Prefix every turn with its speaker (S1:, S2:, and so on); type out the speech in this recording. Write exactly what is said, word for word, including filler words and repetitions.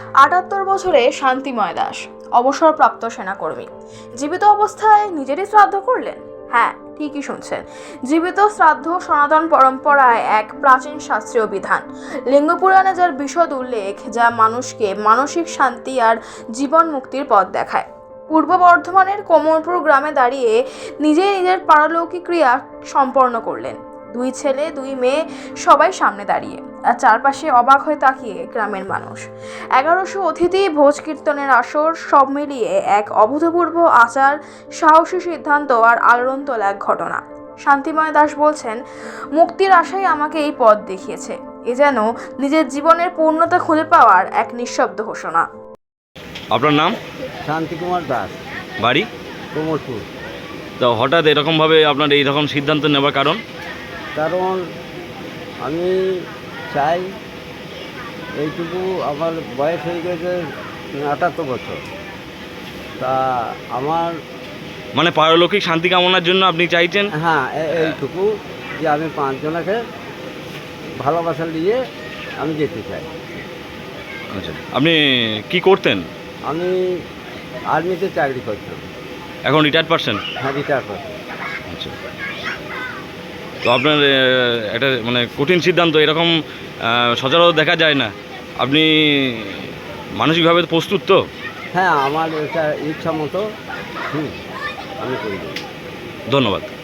S1: আটাত্তর বছরে শান্তিময় দাস অবসরপ্রাপ্ত সেনাকর্মী জীবিত অবস্থায় নিজেরই শ্রাদ্ধ করলেন। হ্যাঁ, ঠিকই শুনছেন, জীবিত শ্রাদ্ধ সনাতন পরম্পরায় এক প্রাচীন শাস্ত্রীয় বিধান। লিঙ্গ পুরাণে যার বিশদ উল্লেখ, যা মানুষকে মানসিক শান্তি আর জীবন মুক্তির পথ দেখায়। পূর্ব বর্ধমানের কোমরপুর গ্রামে দাঁড়িয়ে নিজেই নিজের পারলৌকিক ক্রিয়া সম্পন্ন করলেন। দুই ছেলে দুই মেয়ে সবাই সামনে দাঁড়িয়ে, আর চারপাশে অবাক হয়ে তাকিয়ে গ্রামের মানুষ। এগারোশো অতিথি, ভোজ কীর্তনের আসর, সব মিলিয়ে এক অভূতপূর্ব আচার, সাহসী সিদ্ধান্ত আর আলোড়ন তোলা এক ঘটনা। শান্তিময় দাস বলছেন, মুক্তির আশাই আমাকে এই পথ দেখিয়েছে। এ যেন নিজের জীবনের পূর্ণতা খুঁজে পাওয়ার এক নিঃশব্দ ঘোষণা।
S2: আপনার নাম?
S3: শান্তি কুমার দাস,
S2: বাড়ি?
S3: কোমরপুর।
S2: তো হঠাৎ এরকমভাবে আপনার এই রকম সিদ্ধান্ত নেওয়ার কারণ?
S3: কারণ আমি চাই, এইটুকু আমার বয়স হয়ে গেছে আটাত্তর বছর, তা আমার
S2: মানে পারলৌকিক শান্তি কামনার জন্য আপনি চাইছেন?
S3: হ্যাঁ এ- এইটুকু যে আমি পাঁচজনকে ভালোবাসা নিয়ে আমি যেতে চাই।
S2: আচ্ছা, আপনি কি করতেন?
S3: আমি আর্মিতে চাকরি করতাম।
S2: এখন রিটায়ার্ড পারসন?
S3: হ্যাঁ, রিটায়ার করতাম।
S2: আচ্ছা, তো আপনার আহ, একটা মানে কঠিন সিদ্ধান্ত, এরকম আহ, সচরাচর দেখা যায় না। আপনি মানসিকভাবে প্রস্তুত তো?
S3: হ্যাঁ, আমার এটা ইচ্ছা মতো হুম আমি করি।
S2: ধন্যবাদ।